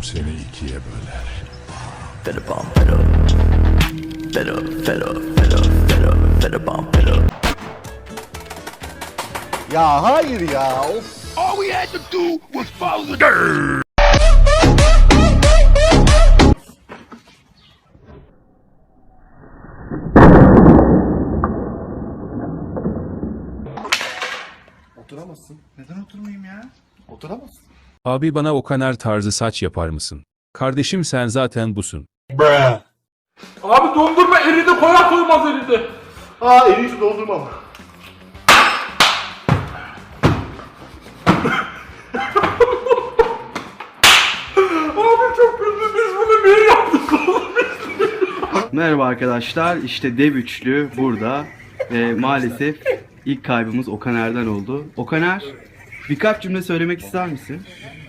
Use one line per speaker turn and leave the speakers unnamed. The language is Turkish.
seni ikiye böler.
Ya hayır ya. Of.
All we had to do was follow the dirt.
Oturamazsın. Neden oturmayayım ya? Oturamazsın.
Abi bana Okaner tarzı saç yapar mısın? Kardeşim sen zaten busun.
Abi dondurma eridi, koyar koymaz eridi.
Aa en iyisi doldurmam.
Abi çok güldüm, biz bunu niye yaptık oğlum?
Merhaba arkadaşlar, işte dev üçlü burada ve maalesef ilk kaybımız Okaner'den oldu. Okaner, birkaç cümle söylemek ister misin?